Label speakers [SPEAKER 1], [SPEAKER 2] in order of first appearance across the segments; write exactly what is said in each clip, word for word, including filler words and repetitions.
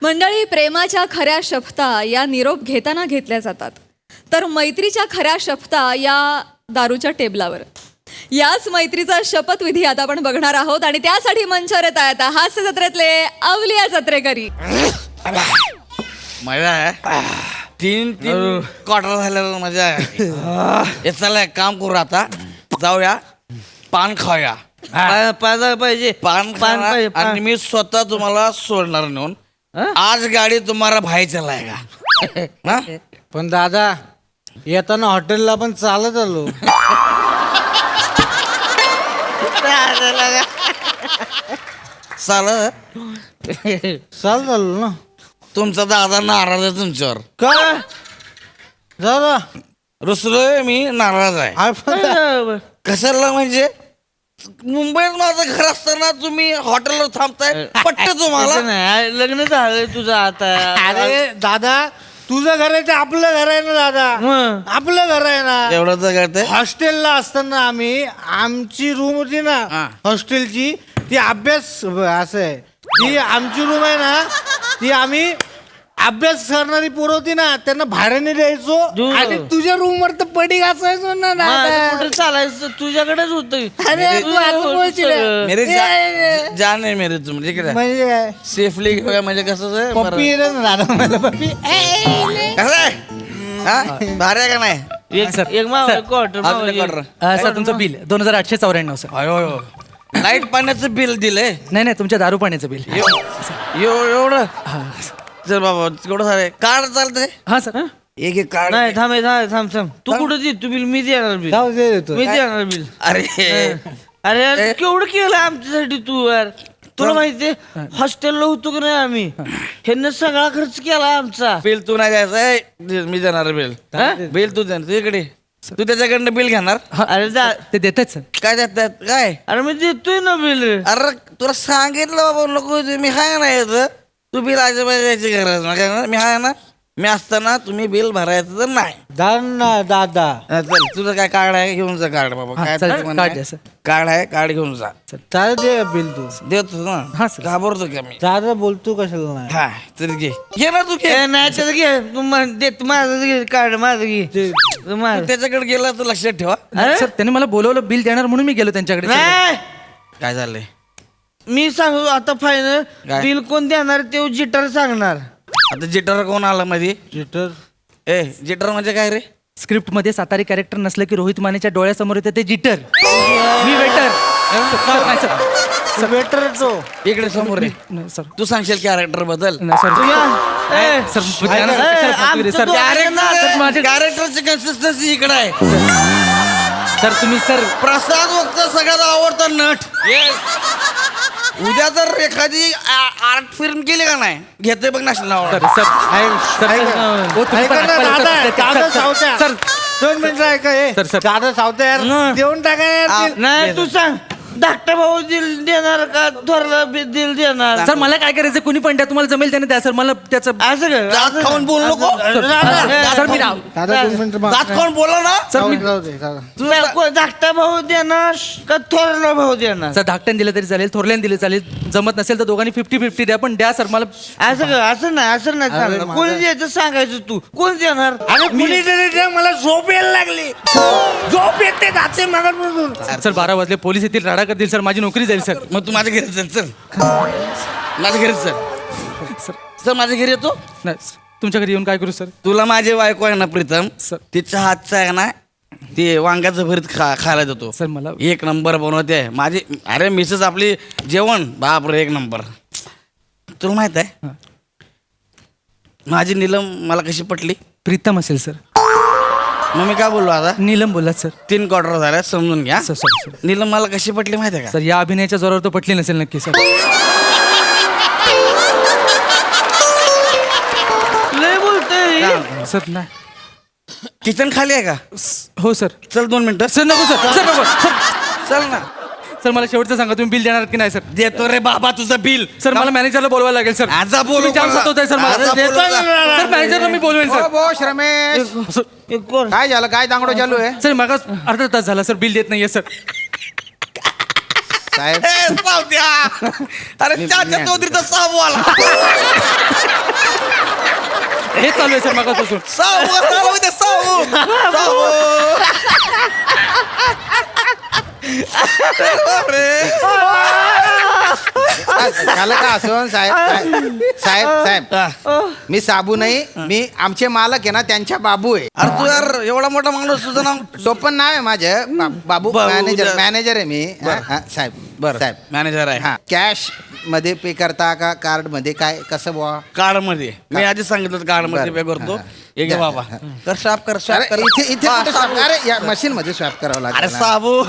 [SPEAKER 1] मंडळी, प्रेमाच्या खऱ्या शपथा या निरोप घेताना घेतल्या जातात, तर मैत्रीच्या खऱ्या शपथा या दारूच्या टेबलावर. याच मैत्रीचा शपथविधी आता आपण बघणार आहोत आणि त्यासाठी मंचावर येत आहेत हास्य जत्रेतले अवलिया जत्रेकरी.
[SPEAKER 2] मजा आहे. तीन तीन क्वार्टर झाल्यावर मजा आहे. हे चला एक काम करू, आता जाऊया पान खाऊया.
[SPEAKER 3] पान पाहिजे
[SPEAKER 2] पान
[SPEAKER 3] पान पाहिजे
[SPEAKER 2] पान आणि मी स्वतः तुम्हाला सोडणार नेऊन. आज गाडी तुम्हाला भाई चलायगा ना.
[SPEAKER 3] पण दादा येताना हॉटेलला पण चालत आलो.
[SPEAKER 2] चाल
[SPEAKER 3] चालत आलो ना.
[SPEAKER 2] तुमचा दादा नाराज आहे तुमच्यावर.
[SPEAKER 3] का दादा
[SPEAKER 2] रुसलोय मी, नाराज आहे.
[SPEAKER 3] आपण
[SPEAKER 2] कशाला म्हणजे मुंबईत माझं घर असताना तुम्ही हॉटेलवर थांबताय, पटत तुम्हाला?
[SPEAKER 3] नाही, लग्न झालंय तुझं आता. अरे दादा तुझं घर आहे ते आपलं घर आहे ना दादा. आपलं घर आहे ना.
[SPEAKER 2] एवढं तर करते.
[SPEAKER 3] हॉस्टेलला असताना आम्ही आमची रूम होती ना
[SPEAKER 2] हा.
[SPEAKER 3] हॉस्टेलची, ती अभ्यास असं आहे, ती आमची रूम आहे ना, ती आम्ही अभ्यास करणारी पोरं होती ना त्यांना भाड्याने द्यायचो आणि तुझ्या रूम वर तर पडी घासायचो ना. कुठे चालायचं तुझ्याकडेच होत.
[SPEAKER 2] मेरे जा- जान आहे मेरे तुम तिकडे
[SPEAKER 3] म्हणजे काय
[SPEAKER 2] सेफली घेऊया म्हणजे कसं आहे, बरं.
[SPEAKER 3] पप्पी आहे ना दादा मला पप्पी.
[SPEAKER 2] कसं आहे? हा? भारी आहे का नाही?
[SPEAKER 4] एक सर
[SPEAKER 3] एक माव-
[SPEAKER 4] सर,
[SPEAKER 3] क्वार्टर,
[SPEAKER 2] अजून
[SPEAKER 3] माव-
[SPEAKER 2] एक order.
[SPEAKER 4] अ, सर तुमचं बिल दोन हजार आठशे चौऱ्याण्णव सर.
[SPEAKER 2] अयो अयो. लाईट पाण्याचं बिल दिलंय
[SPEAKER 4] नाही नाही तुमच्या दारू पाण्याचं बिल.
[SPEAKER 2] एव- एवढं. चल बाबा तेवढं सारे कार्ड चालतंय.
[SPEAKER 4] हा सर.
[SPEAKER 2] एक एक कार्ड.
[SPEAKER 3] नाही थांब थांब थांब थांब तू कुठं दे तू बिल मी देणार बिल
[SPEAKER 5] जाऊ दे देतो.
[SPEAKER 3] मी देणार बिल.
[SPEAKER 2] अरे
[SPEAKER 3] अरे यार, केवढं केलं आमच्यासाठी तू यार. तुला माहितीये हॉस्टेलला होतो की नाही आम्ही, ह्यांनी सगळा खर्च केला आमचा.
[SPEAKER 2] बिल तू नाही द्यायचंय, दे- मी देणार बिल. बिल तू देणार, तू इकडे तू त्याच्याकडनं बिल घेणार.
[SPEAKER 3] अरे जा
[SPEAKER 4] ते देतात सर.
[SPEAKER 2] काय देतात काय?
[SPEAKER 3] अरे मी देतोय ना बिल.
[SPEAKER 2] अरे तुला सांगितलं बाबा नको देऊ, मी हाय ना येतं. तू बिल अजिबात द्यायची गरज नाही. काय ना, मी हाय ना. मी असताना तुम्ही बिल भरायचं तर नाही.
[SPEAKER 5] दादा दादा
[SPEAKER 2] हा, चल तुझं काय कार्ड आहे घेऊन जा कार्ड बाबा.
[SPEAKER 4] हा,
[SPEAKER 2] काय
[SPEAKER 4] चल,
[SPEAKER 2] त्याचं म्हणणं
[SPEAKER 4] कार्ड
[SPEAKER 2] आहे?
[SPEAKER 4] द्या, सर.
[SPEAKER 2] कार्ड आहे, कार्ड घेऊन जा.
[SPEAKER 5] दादा दे बिल तू.
[SPEAKER 2] देतो ना.
[SPEAKER 4] हा, सर.
[SPEAKER 2] घाबरतो का मी?
[SPEAKER 5] दादा बोलतो कशाला नाही.
[SPEAKER 2] हा चल घे घे ना तू घे.
[SPEAKER 3] ए, नाही त्याचं घे तू मा- दे तू माझं घे कार्ड माझं घे तू माझं.
[SPEAKER 2] तू त्याच्याकडे गेला तर लक्षात ठेवा.
[SPEAKER 3] अरे?
[SPEAKER 4] सर त्यांनी मला बोलवलं बिल देणार म्हणून मी गेलो त्यांच्याकडे. सर.
[SPEAKER 3] नाही
[SPEAKER 2] काय झालंय?
[SPEAKER 3] मी सांगू आता फायनल
[SPEAKER 2] काय?
[SPEAKER 3] बिल कोण देणार ते जिटर सांगणार.
[SPEAKER 2] आता जिटर कोण आला मध्ये?
[SPEAKER 5] जिटर
[SPEAKER 2] ए जिटर म्हणजे काय रे?
[SPEAKER 4] स्क्रिप्ट मध्ये सातारी कॅरेक्टर नसलं की रोहित मानेच्या डोळ्यासमोर येते ते जिटर. मी वेटर. सर नाही सर.
[SPEAKER 5] वेटर तो
[SPEAKER 2] इकडे समोर आहे.
[SPEAKER 4] नाही, सर.
[SPEAKER 2] तू सांगशील कॅरेक्टर बद्दल.
[SPEAKER 4] नाही, सर.
[SPEAKER 3] ए,
[SPEAKER 4] सर बुद्ध्यानं सर, कशाला फालतू रे, सर. सर, माझे-
[SPEAKER 2] कॅरेक्टरची कन्सिस्टन्सी इकडे आहे.
[SPEAKER 4] सर तुम्ही सर
[SPEAKER 2] प्रसाद वक्त सगळ्यात आवडता नट. उद्या जर एखादी आर्ट फिल्म केली का नाही, घेते बघ national
[SPEAKER 4] sir
[SPEAKER 2] award.
[SPEAKER 4] Sir sir ओ, तुम्ही पण
[SPEAKER 5] ऐका ना,
[SPEAKER 4] हातपाय
[SPEAKER 5] दादा
[SPEAKER 4] लावता.
[SPEAKER 5] दादा
[SPEAKER 4] सर,
[SPEAKER 5] सावत्या
[SPEAKER 4] सर
[SPEAKER 5] दोन मिनिटं ऐका हे.
[SPEAKER 4] Sir, sir.
[SPEAKER 5] दादा सावत्या यार
[SPEAKER 3] हं.
[SPEAKER 5] देऊन टाका यार bill.
[SPEAKER 3] नाही तू सांग धाकटा भाऊ दिल देणार का थोरला बी दिल देणार.
[SPEAKER 4] सर मला काय करायचं कोणी पण द्या, तुम्हाला जमेल त्याने द्या सर. मला त्याचं
[SPEAKER 3] असं कर
[SPEAKER 2] दात खाऊन बोल नको.
[SPEAKER 4] सर मी राव
[SPEAKER 5] दादा दोन मिनिटं मा-
[SPEAKER 2] दात खाऊन बोला ना.
[SPEAKER 4] सर मी
[SPEAKER 5] जाऊ दे दादा.
[SPEAKER 3] तुला को- धाकटा भाऊ देणार का थोरला भाऊ देणार.
[SPEAKER 4] सर धाकट्याने दिलं तरी चालेल, थोरल्याने दिले चालेल. जमत नसेल तर दोघांनी फिफ्टी फिफ्टी द्या, पण द्या सर मला.
[SPEAKER 3] असं कर असं नाही असं नाही सांगणार. कोणी द्यायचं सांगायचं तू कोण देणार.
[SPEAKER 5] अरे कुणीतरी द्या, मला झोप यायला लागली. झोप येते जाते मागापासून.
[SPEAKER 4] सर बारा वाजले, पोलीस येतील, राडा करतील सर, माझी नोकरी जाईल सर.
[SPEAKER 2] मग तू माझ्या घरी चल. चल माझ्या घरी चल.
[SPEAKER 4] सर
[SPEAKER 2] सर माझ्या घरी येतो.
[SPEAKER 4] नाही तुमच्या घरी येऊन काय करू सर?
[SPEAKER 2] तुला माझी बायको आहे ना प्रीतम,
[SPEAKER 4] सर.
[SPEAKER 2] तिच्या हातचं आहे ना ते वांग्याचं भरीत खा खायला देतो.
[SPEAKER 4] सर मला
[SPEAKER 2] एक नंबर बनवते आहे माझी. अरे मिसेस आपली जेवण बापरे एक नंबर. तुला माहित आहे माझी नीलम मला कशी पटली?
[SPEAKER 4] प्रीतम असेल सर.
[SPEAKER 2] मग मी काय बोललो आता?
[SPEAKER 4] नीलम बोललात सर.
[SPEAKER 2] तीन क्वार्टर झाल्या समजून घ्या.
[SPEAKER 4] सर सर सर
[SPEAKER 2] नीलम मला कशी पटली माहिती आहे का?
[SPEAKER 4] सर या अभिनयाच्या जोरावर तो पटली नसेल नक्की सर.
[SPEAKER 3] लय बोलतोय.
[SPEAKER 4] सर नाही.
[SPEAKER 2] किचन खाली आहे का?
[SPEAKER 4] हो सर.
[SPEAKER 2] चल दोन मिनिटं.
[SPEAKER 4] सर नको सर. सर नको सर.
[SPEAKER 2] चल ना.
[SPEAKER 4] सर मला शेवटचं सांगा, तुम्ही बिल देणार की नाही सर?
[SPEAKER 2] देतो रे बाबा तुझं बिल.
[SPEAKER 4] सर मला मॅनेजरला बोलवायला लागेल सर.
[SPEAKER 2] आजा बोलू
[SPEAKER 4] तुम्ही जाम
[SPEAKER 2] मला.
[SPEAKER 4] सतवताय सर मला.
[SPEAKER 2] आजा बोलू
[SPEAKER 4] देतोय
[SPEAKER 2] का?
[SPEAKER 4] ना. सर मॅनेजरला मी बोलवेन सर.
[SPEAKER 6] बोश रमेश,
[SPEAKER 4] सर,
[SPEAKER 3] हे कोण
[SPEAKER 6] काय झालं? काय दांगडो चालू आहे
[SPEAKER 4] सर मग अर्धा तास झाला सर, बिल देत नाहीये सर.
[SPEAKER 6] साहेब?
[SPEAKER 2] ए, पावत्या. अरे चाचा चौधरीचा साबू आला.
[SPEAKER 4] चालू आहे सर मगापासून.
[SPEAKER 2] साऊ चालू आहे ते, साऊ साऊ. अरे
[SPEAKER 6] झालं का असं साहेब साहेब साहेब साहेब मी साबू नाही, मी आमचे मालक आहे ना त्यांच्या बाबू आहे.
[SPEAKER 2] अरे तू यार एवढा मोठा माणूस, तुझं नाव
[SPEAKER 6] टोपण नाव आहे माझं बा- बाबू
[SPEAKER 2] बाबू,
[SPEAKER 6] मॅनेजर
[SPEAKER 2] जरा-
[SPEAKER 6] मॅनेजर आहे मी. हा, हा, साहेब
[SPEAKER 2] बरं
[SPEAKER 6] साहेब
[SPEAKER 2] मॅनेजर आहे.
[SPEAKER 6] हा कॅश मध्ये पे करता का कार्ड मध्ये काय कसं बुवा?
[SPEAKER 2] कार्ड मध्ये मी आधीच सांगितलं कार्ड मध्ये पे
[SPEAKER 6] बरं,
[SPEAKER 2] करतो.
[SPEAKER 6] हा,
[SPEAKER 2] हे घे
[SPEAKER 6] हा,
[SPEAKER 2] बाबा,
[SPEAKER 6] हा.
[SPEAKER 2] कर स्वाप कर
[SPEAKER 6] अरे
[SPEAKER 2] स्वाप कर.
[SPEAKER 6] इथे इथे
[SPEAKER 2] हा,
[SPEAKER 6] कुठे
[SPEAKER 2] साबू.
[SPEAKER 6] swap? अरे या मशीन मध्ये स्वॅप करावं
[SPEAKER 2] अरे
[SPEAKER 6] लागेल ना.
[SPEAKER 2] साबू.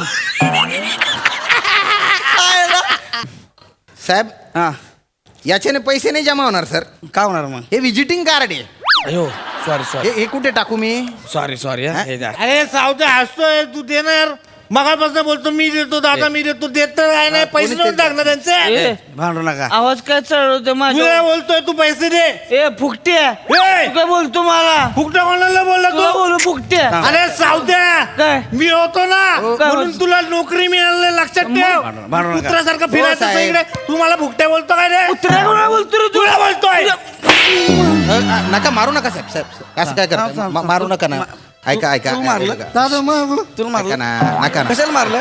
[SPEAKER 6] साहेब
[SPEAKER 2] हा
[SPEAKER 6] याच्याने पैसे नाही जमा होणार सर.
[SPEAKER 2] काय होणार मग?
[SPEAKER 6] हे विजिटिंग कार्ड आहे.
[SPEAKER 2] अयो सॉरी
[SPEAKER 6] हे
[SPEAKER 2] सॉरी
[SPEAKER 6] हे कुठे टाकू मी?
[SPEAKER 2] सॉरी सॉरी हे द्या.
[SPEAKER 3] अरे सावते हसतोय तू दे ना यार. मगापासून बोलतो मी देतो दादा मी देतो, देत तर काय नाही, पैसे देऊन टाक ना त्यांचे.
[SPEAKER 2] भांडू नका.
[SPEAKER 5] आवाज काय चढवते
[SPEAKER 3] तुला
[SPEAKER 5] माझ्या
[SPEAKER 3] बोलतोय तू पैसे दे.
[SPEAKER 5] ए फुकट्या
[SPEAKER 3] ए!
[SPEAKER 5] तू काय बोलतो मला
[SPEAKER 3] फुकटा कोणाला बोलला
[SPEAKER 5] तुला
[SPEAKER 3] तू?
[SPEAKER 5] बोलू फुकट्या
[SPEAKER 3] अरे सावत्या
[SPEAKER 5] काय?
[SPEAKER 3] मी होतो ना
[SPEAKER 5] काय
[SPEAKER 3] म्हणून
[SPEAKER 5] बोलतो?
[SPEAKER 3] तुला नोकरी मिळाली, लक्षात ठेव.
[SPEAKER 2] भांडू- भांडू नका.
[SPEAKER 3] कुत्र्यासारखं फिरायचं
[SPEAKER 6] साहेब.
[SPEAKER 3] इकडे. तू मला फुकट्या बोलतो काय रे?
[SPEAKER 5] कुत्र्या कोणाला बोलतो रे तू?
[SPEAKER 3] तुला बोलतोय.
[SPEAKER 6] अ, अ, नका मारू नका साहेब साहेब असं काय करता?
[SPEAKER 2] थांब, थांब,
[SPEAKER 6] मा- मारू नका ना.
[SPEAKER 2] मा-
[SPEAKER 6] ऐका ऐका
[SPEAKER 2] तू मारलं?
[SPEAKER 6] ऐका.
[SPEAKER 3] दादा मग
[SPEAKER 2] तुला
[SPEAKER 6] नका
[SPEAKER 2] मारलं
[SPEAKER 6] ना नका ना.
[SPEAKER 2] कशाला मारलं?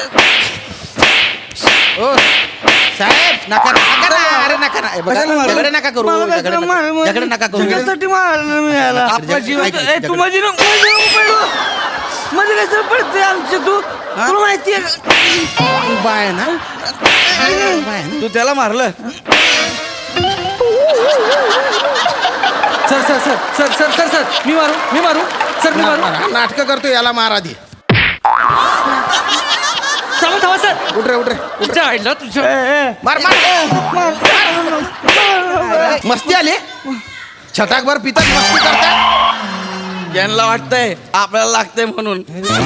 [SPEAKER 6] ओ साहेब नका ना नका ना अरे नका ना. हे बघा,
[SPEAKER 2] कशाला मारलं?
[SPEAKER 6] झगडे नका करू
[SPEAKER 5] मला
[SPEAKER 6] झगडे
[SPEAKER 5] कसं
[SPEAKER 6] नका-
[SPEAKER 5] मार-
[SPEAKER 6] झगडे नका करू.
[SPEAKER 5] तुझ्यासाठी मारलं मी याला.
[SPEAKER 6] आपला जीव-
[SPEAKER 5] ए,
[SPEAKER 6] ऐक-
[SPEAKER 5] तू माझी नको माझी नको पडू. मध्ये कसं पडते आमचे तू तुला माहितीये का?
[SPEAKER 6] उभा आहे ना उभा आहे ना.
[SPEAKER 2] तू त्याला मारलं?
[SPEAKER 4] Sir sir sir sir sir sir sir मी मारू मी मारू सर मी मारू.
[SPEAKER 6] हा नाटकं करतो याला मार आधी.
[SPEAKER 4] थांबा थांबा सर.
[SPEAKER 6] उठ रे उठ रे
[SPEAKER 4] तुझ्या आईला तुझ्या
[SPEAKER 6] मार मार मस्ती आली छटाकभर पितात मस्ती करता.
[SPEAKER 2] यांना वाटतंय आपल्याला लागतंय म्हणून.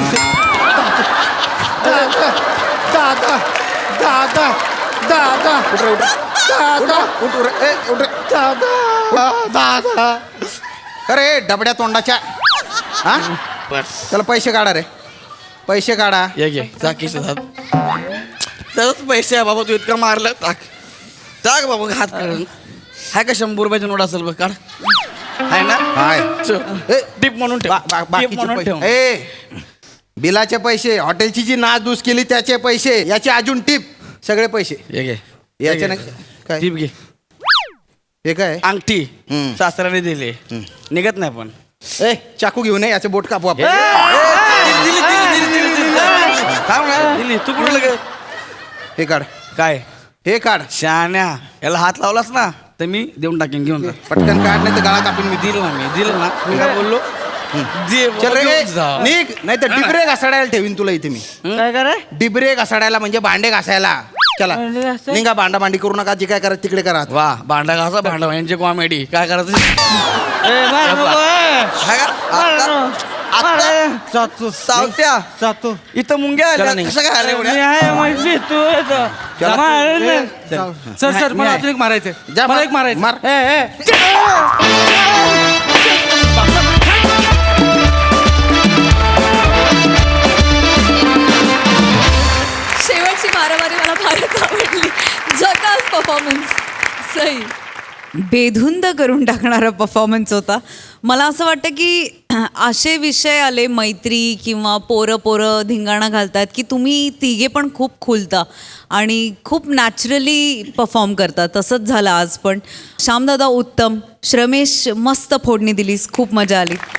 [SPEAKER 3] दादा दादा दादा
[SPEAKER 6] उठ रे उठ दादा उठ उठ रे. ए, उठ रे.
[SPEAKER 3] दादा दादा
[SPEAKER 6] अरे डबड्या तोंडाच्या हा त्याला पैसे काढा रे पैसे काढा.
[SPEAKER 2] ये घे जा खिशात. तरच पैसे आहे बाबा, तू इतकं मारलं. टाक टाक बाबा हात काढून. हाय का शंभर रुपयाची नोट असेल बघ, काढ. हाय ना?
[SPEAKER 6] हाय ए,
[SPEAKER 2] टिप म्हणून ठेव.
[SPEAKER 6] बा- बा-
[SPEAKER 2] टिप
[SPEAKER 6] बाकीचे
[SPEAKER 2] म्हणून ठेव.
[SPEAKER 6] पैसे ए बिलाचे पैसे हॉटेलची जी नासधूस केली त्याचे पैसे याचे अजून टिप सगळे पैसे
[SPEAKER 2] ये घे
[SPEAKER 6] याचे
[SPEAKER 2] घे.
[SPEAKER 6] ना काय
[SPEAKER 2] टिप घे.
[SPEAKER 6] हे काय
[SPEAKER 2] अंगठी
[SPEAKER 6] हम्म.
[SPEAKER 2] सासऱ्याने दिली, निघत नाही पण.
[SPEAKER 6] ए चाकू घेऊन ये याचे बोट कापू आपण.
[SPEAKER 2] दिली दिली दिली दिली दिली थांब ना, दिली. तू कुठं लगे
[SPEAKER 6] हे काढ
[SPEAKER 2] काय
[SPEAKER 6] हे काढ
[SPEAKER 2] शहाण्या, याला हात लावलास ना तर मी देऊन टाकेन. घेऊन जा.
[SPEAKER 6] पटकन काढ नाही तर गळा कापून मी
[SPEAKER 2] दिलं ना मी दिलं ना मी काय बोललो. दे
[SPEAKER 6] चल
[SPEAKER 2] बाबा,
[SPEAKER 6] रे
[SPEAKER 2] घेऊन जा.
[SPEAKER 6] निघ नाही तर डिबरे घासाडायला ठेवीन तुला इथे मी.
[SPEAKER 5] काय कराय
[SPEAKER 6] डिबरे घासाडायला म्हणजे भांडे घासायला. चला
[SPEAKER 5] भांडे घासाय?
[SPEAKER 6] निघा भांडा भांडी करू नका जे काय करायचं तिकडे करा.
[SPEAKER 2] वा भांडा घासा भांडा यांची कॉमेडी काय करायचं.
[SPEAKER 5] ए, मार नको, ए.
[SPEAKER 2] हाय का?
[SPEAKER 5] मार
[SPEAKER 2] आता-
[SPEAKER 5] नको. मार,
[SPEAKER 2] आता-
[SPEAKER 5] ए.
[SPEAKER 3] जातो
[SPEAKER 2] सावत्या
[SPEAKER 3] जातो
[SPEAKER 2] इथं मुंग्या
[SPEAKER 6] चला
[SPEAKER 2] आल्या
[SPEAKER 6] निघ.
[SPEAKER 2] कशा काय आल्या
[SPEAKER 5] मी
[SPEAKER 2] एवढ्या?
[SPEAKER 5] आहे माहिती तू येतो.
[SPEAKER 6] चला.
[SPEAKER 5] मार ना.
[SPEAKER 4] सर सर मला अजून एक मारायचंय
[SPEAKER 6] जा
[SPEAKER 4] मला
[SPEAKER 6] मार.
[SPEAKER 4] एक मारायचं.
[SPEAKER 6] मार.
[SPEAKER 5] ए, ए.
[SPEAKER 1] शेवटची मारामारी मला फारच आवडली. झकास परफॉर्मन्स. सही.
[SPEAKER 7] बेधुंद करून टाकणारा परफॉर्मन्स होता. मला असं वाटतं की असे विषय आले मैत्री किंवा पोरं पोरं धिंगाणा घालतात की तुम्ही तिघे पण खूप खुलता आणि खूप नॅचरली परफॉर्म करता. तसंच झालं आज पण. श्यामदादा उत्तम, श्रमेश मस्त फोडणी दिलीस, खूप मजा आली.